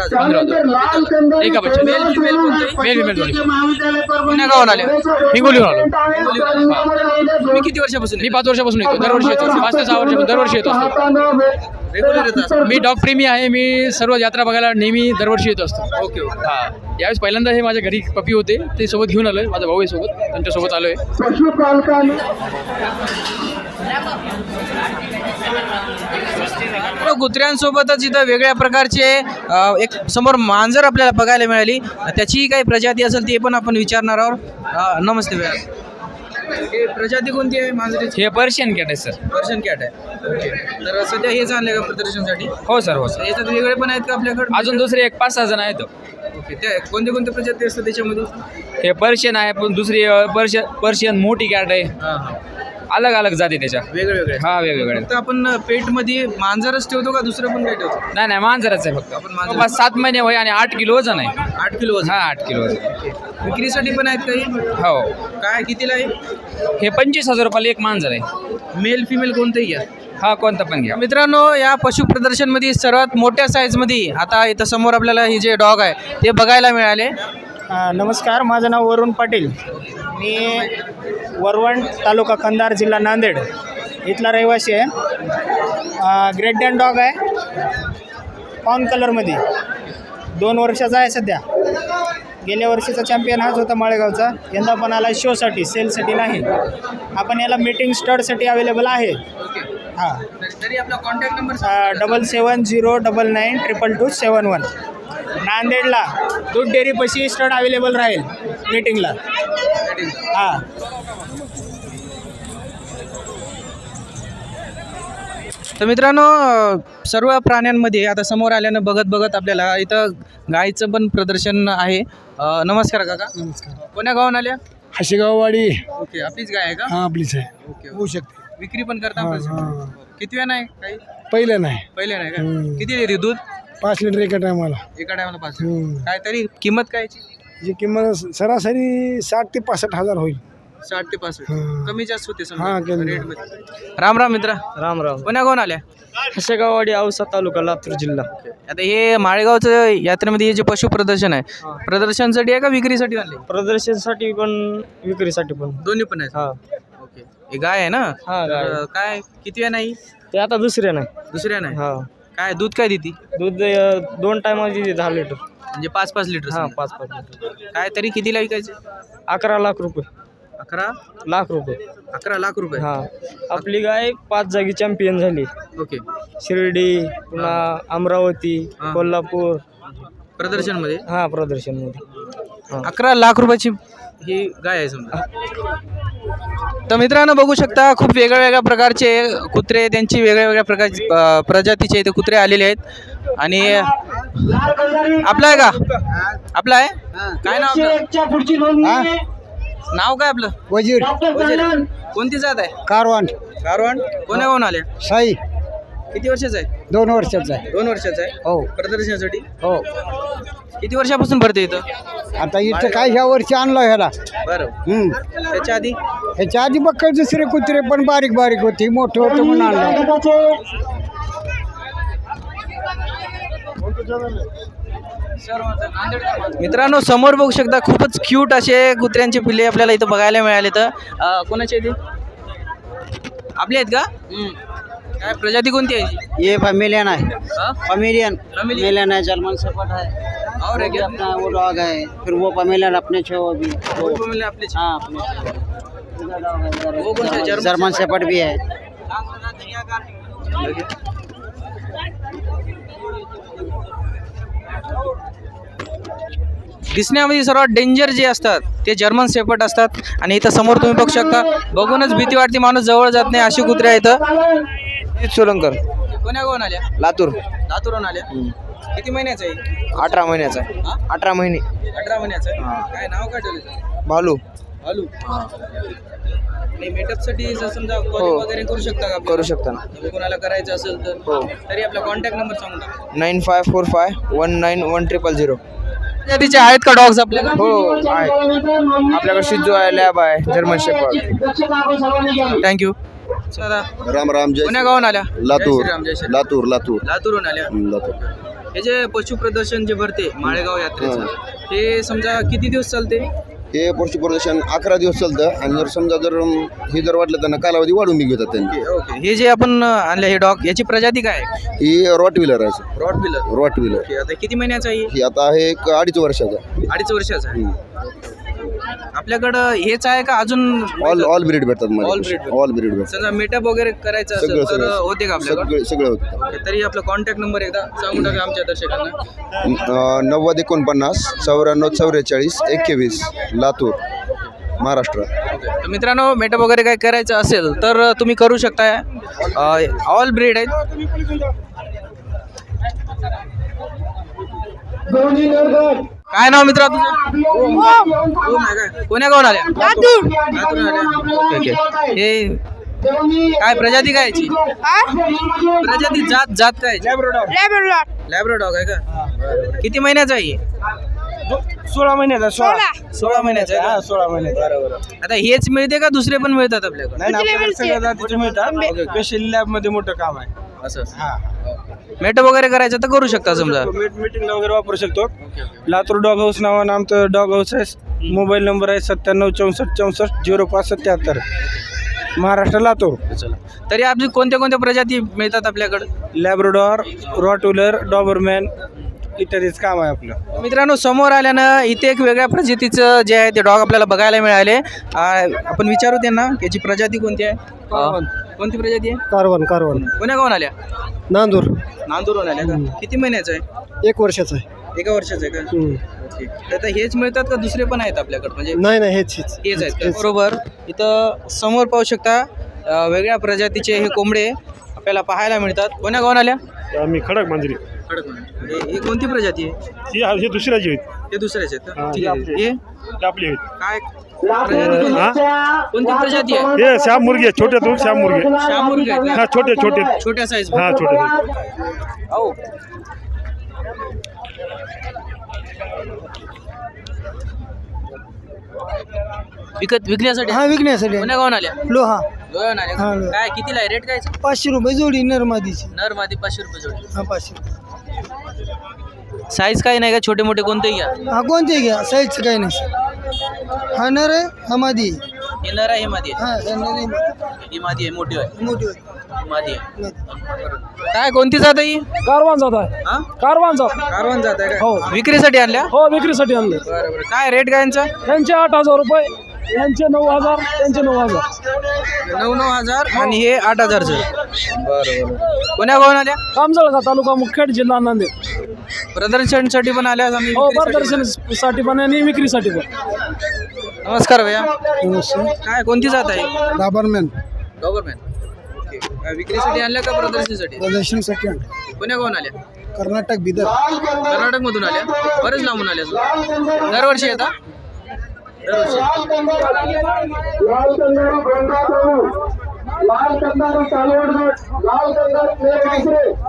माझे 15 होतं. एक बच्चा मेल फिमेल दोन्ही. पुण्या गावाला आले हिंगोलीहून आलो. तुम्ही किती वर्षापासून मी 5 वर्षापासून येतो, दरवर्षी येतो. 5 ते 6 वर्षापासून दरवर्षी येतो असतो. रेग्युलर येत असतात? मी डॉग प्रेमी आहे. मी सर्व यात्रा बघायला नेहमी दरवर्षी येत असतो. Okay okay. हा, यावेळेस पहिल्यांदा हे माझ्या घरी पपी होते, ते सोबत घेऊन आलोय. माझा भाऊ आहे सोबत, त्यांच्यासोबत आलोय. कुत्र्यांसोबतच इथं वेगळ्या प्रकारचे एक समोर मांजर आपल्याला बघायला मिळाली. त्याची काही प्रजाती असेल ते पण आपण विचारणार आहोत. नमस्ते भैया, हे प्रजाती कोणती आहे मांजरीची? हे पर्शियन कॅट आहे सर. पर्शियन कॅट आहे. ओके. तर सध्या हेच आणले का प्रदर्शनासाठी? हो सर, हो सर. याच्यात वेगळे पण आहेत का आपल्याकडे? अजून दुसरे एक 5-6 जण आहेत. ओके. त्या कोणते कोणते प्रजाती असतात त्याच्यामध्ये? हे पर्शियन आहे, पण दुसरी पर्शियन मोठी कॅट आहे. हां हां. अलग अलग जाती त्याच्या. वेगळे हा, वेगवेगळे. फक्त आपण पेटमध्ये मांजरच ठेवतो का दुसरं पण काही ठेवतो? नाही, मांजरच आहे फक्त. आपण मांजर. बस 7 महिने वय आणि 8 किलो वजन आहे. 8 किलो वजन. हा, 8 किलो वजन. विक्रीसाठी पण आहेत काही? हो. काय कितीला आहे? हे 25,000 रुपयाला एक मांजर आहे. मेल फिमेल कोणतंही घ्या. हा, कोणता पण घ्या. मित्रांनो, या पशु प्रदर्शनमध्ये सर्वात मोठ्या साईजमध्ये आता इथं समोर आपल्याला हे जे डॉग आहे ते बघायला मिळाले. नमस्कार, माझं नाव वरुण पाटील. मी वरवण तालुका कंधार जिल्हा नांदेड इथला रहिवासी आहे. ग्रेट डॅन डॉग आहे, पाऊन कलरमध्ये. 2 वर्षाचा आहे सध्या. गेल्या वर्षीचा चॅम्पियन हाच होता माळेगावचा. यंदा पण आला शोसाठी, सेलसाठी नाही. आपण याला मीटिंग स्टडसाठी अवेलेबल आहे. हां, तरी आपला कॉन्टॅक्ट नंबर 7709922271. नांदेडला दूध डेअरीपाशी स्टड अवेलेबल राहील मीटिंगला. हां. तर मित्रांनो, सर्व प्राण्यांमध्ये आता समोर आल्यानं बघत आपल्याला इथं गायचं पण प्रदर्शन आहे. नमस्कार काका. नमस्कार. कोण्या गावाहून आल्या? हशेगाववाडी. ओके. आपलीच गाय आहे का? हां, आपलीच आहे. ओके. होऊ शकते. विक्री पण करता? हां. किती वेळ नाही काही? पहिलं नाही. पहिले नाही का? किती देते दूध? 5 लिटर एका टायमाला. एका टायमाला 5. काय तरी किंमत काय याची? जी किंमत सरासरी 60 ते 65 हजार होईल. 60 ते 65. कमी जास्त होते हां, कमी. रेट मध्ये. राम राम मित्रा. राम राम. कोण्या गावाहून आल्या? हशेगाववाडी, औसा तालुका, लातूर जिल्हा. आता हे माळेगावचं यात्रेमध्ये हे जे पशु प्रदर्शन आहे, प्रदर्शनासाठी आहे का विक्रीसाठी आणले? प्रदर्शनसाठी पण विक्रीसाठी पण. दोन्ही पण आहेत. हां. ओके. हे गाय आहे ना? हां, गाय. तर काय किती वेळ नाही? ते आता दुसरे नाही. दुसऱ्या नाही. हां. काय दूध काय देते? दूध 2 टायमाची 10 लिटर. म्हणजे 5-5 लिटर. हां, 5 लिटर. काय तरी कितीला विकायचे? 11 लाख रुपये. 11 लाख रुपये. 11 लाख रुपये. हां. आपली गाय 5 जागी चॅम्पियन झाली. ओके. शिर्डी, पुन्हा अमरावती, हां. कोल्हापूर. प्रदर्शनमध्ये हां, प्रदर्शनमध्ये. 11 लाख रुपयाची ही गाय आहे समजा. तर मित्रांनो, बघू शकता खूप वेगळ्या प्रकारचे कुत्रे, त्यांची वेगळ्या प्रकारची प्रजातीचे इथे कुत्रे आलेले आहेत. आणि आपला आहे का? आपला आहे? काय नाव आपलं? नाव काय आपलं? वजीर. वजीर. कोणती जात आहे? कारवान. कारवान. कोण्या गावून आल्या? साई. किती वर्षाचा आहे? 2 वर्षाचा आहे. 2 वर्षाचा आहे. हो. प्रदर्शनासाठी हो. किती वर्षापासून भरते इथं? आता इथं काय ह्या वर्षी आणलं ह्याला. बरं. त्याच्या आधी? ह्याच्या आधी बघ दुसरे कुत्रे पण बारीक बारीक होती, मोठं होतं म्हणून आणलं. मित्रांनो, समोर बघू शकता खूपच क्यूट असे कुत्र्यांचे पिल्ले आपल्याला इथं बघायला मिळाले. तर कोणाचे इथे आपले आहेत का? काय प्रजाती कोणती आहे? ये फैमिलियन है. फैमिलियन. Family? फैमिलियन है, जर्मन शेफर्ड है. और है क्या? अपना वो डॉग है. फिर वो फैमिलियन अपने छो वो भी. वो मिले आपले. हाँ, अपने वो कौन सा है? जर्मन शेफर्ड भी है. दिसण्यामध्ये सर्वात डेंजर जे असतात ते जर्मन शेपर्ड असतात. आणि इथं समोर तुम्ही बघू शकता, बघूनच भीती वाटते, माणूस जवळ जात नाही अशी कुत्रे आहेत. सोलंकर. कोण्या गावून आल्या? लातूर. लातूरून आल्या. किती महिन्याचं आहे? 18 महिन्याचा आहे. 18 महिने. 18 महिन्याचं आहे. काय नाव काय ठेवलं? भालू. भालू. आणि मेटअपसाठी जर समजा कॉलिंग वगैरे करू शकता का? करू शकता ना. जर कोणाला करायचं असेल तर हो. तरी आपला कॉन्टॅक्ट नंबर सांगू टाका. 9545191000. तिचे आहेत का डॉग्स आपल्याला? हो, आहे. आपल्याकडे शिजू आहे, लॅब आहे, German shepherd. Thank you. Ram Ram. जय कोण्या गावून आल्या? लातूर. जय श्रीराम, जय श्रीराम. लातूर. लातूरून आल्या. लातूर. हे जे पशु प्रदर्शन जे भरते माळेगाव यात्रेचं हे समजा किती दिवस चालते? हे पशु प्रदर्शन 11 दिवस चालतं आणि जर समजा हे जर वाटलं त्यांना कालावधी वाढून बी घेतात त्यांनी. ओके. हे जे आपण आणले हे डॉग याची प्रजाती काय आहे? ही रॉटविलर आहे. Rottweiler okay. आता किती महिन्याचा आहे? ही आता आहे एक 2.5 वर्षाचा. 2.5 वर्षाचा आहे. आपल्याकडं हेच आहे का अजून? ऑल ब्रीड भेटतात All breed मला. भेटतात. ऑल ब्रीड भेटतात. समजा मेटअप वगैरे करायचं असेल तर होते का आपल्याकडे? सगळं होतं. तरी आपला कॉन्टॅक्ट नंबर एकदा सांगून टाका आमच्या दर्शकांना. 9049 94 44 21 लातूर महाराष्ट्र. तर मित्रांनो मेटअप वगैरे काय करायचं असेल तर तुम्ही करू शकता. ऑल ब्रीड आहेत. काय नाव मित्रा तुझं? ओम आहे काय? कोण्या गावून आल्या? लातूर आल्या. Okay okay. हे काय प्रजाती काय याची? प्रजाती जात काय याची? लॅब्रो डॉग आहे का? किती महिन्याचा आहे? 16 महिन्याचा. 16 महिन्याचा आहे का? 16 महिन्याचा. आता हेच मिळते का दुसरे पण मिळतात आपल्याकडे? नाही आपल्याकडे सगळ्या जातीचे मिळतात. स्पेशल लॅब मध्ये मोठं काम आहे. असं मेटअप वगैरे करायचं तर करू शकता समजा. मीटिंगला वगैरे वापरू शकतो. लातूर डॉग हाऊस नावानं आमचं डॉग हाऊस आहे. मोबाईल नंबर आहे 97 64 64 05 77 महाराष्ट्र लातूर. तरी आपली कोणत्या कोणत्या प्रजाती मिळतात आपल्याकडे? लॅब्राडॉर, रॉटविलर, डॉबरमॅन इत्यादीच काम आहे आपलं. मित्रांनो समोर आल्यानं इथे एक वेगळ्या प्रजातीचं जे आहे ते डॉग आपल्याला बघायला मिळाले. आपण विचारू त्यांना याची प्रजाती कोणती आहे? कोणती प्रजाती आहे? कारवण. कोण्या गावून आल्या? नांदूरहून आल्या का? किती महिन्याचं आहे? 1 वर्षाचा आहे. 1 वर्षाचं आहे का? ओके. तर आता हेच मिळतात का दुसरे पण आहेत आपल्याकडे? म्हणजे नाही हेच हेच आहेत का? बरोबर. इथं समोर पाहू शकता वेगळ्या प्रजातीचे हे कोंबडे आपल्याला पाहायला मिळतात. कोण्या गावून आल्या? आम्ही खडक मांजरी. हे कोणती प्रजाती आहे? हे दुसऱ्याची आहेत. हे दुसऱ्याचे आहेत का? ठीक आहे. हे आपली आहेत. काय प्रजाती कोणती प्रजाती आहे? हे श्याम मुर्गे छोटे श्याम मुर्गे. शामुर्गे आहेत का? हा छोटे छोट्या साईज. हा छोटे. हो. विकण्यासाठी? विकण्यासाठी. कोण्या गावून आल्या? लोहा. लोह्याहून आल्या का? काय कितीला आहे रेट काय? 500 रुपये जोडी नरमादीची. नर मादी 500 रुपये जोडी. 500. साईज काही नाही का? छोटे मोठे कोणतेही घ्या. कोणते घ्या साईजचं काही नाही. हा नर आहे हा मादी. हे नर आहे हे मादी आहे. हे नर आहे ही मादी आहे मोठी आहे. मोठी मादी आहे. काय कोणती जात आहे ही? कारवान जात आहे. हा कारवान जात. कारवान जात आहे का? हो. विक्रीसाठी आणल्या? हो विक्रीसाठी आणले. बरं. काय रेट काय यांचा? यांचे 8,000 रुपये, यांचे 9,000, त्यांचे 9,000. 9,000 आणि हे 8,000चं. बरं. कोण्या गावून आल्या? कामजळगा तालुका मुखेड जिल्हा नांदेड. प्रदर्शनसाठी पण आल्या आम्ही? हो प्रदर्शनासाठी पण आणि विक्रीसाठी पण. नमस्कार भैया. काय कोणती जात आहे? डॉबरमॅन. ओके. विक्रीसाठी आणल्या का प्रदर्शनासाठी? प्रदर्शनसाठी कोण्या गावून आल्या? कर्नाटक बिदर. कर्नाटक मधून आल्या? बरेच लांबून आल्या. दरवर्षी येतात? लाल कंदारू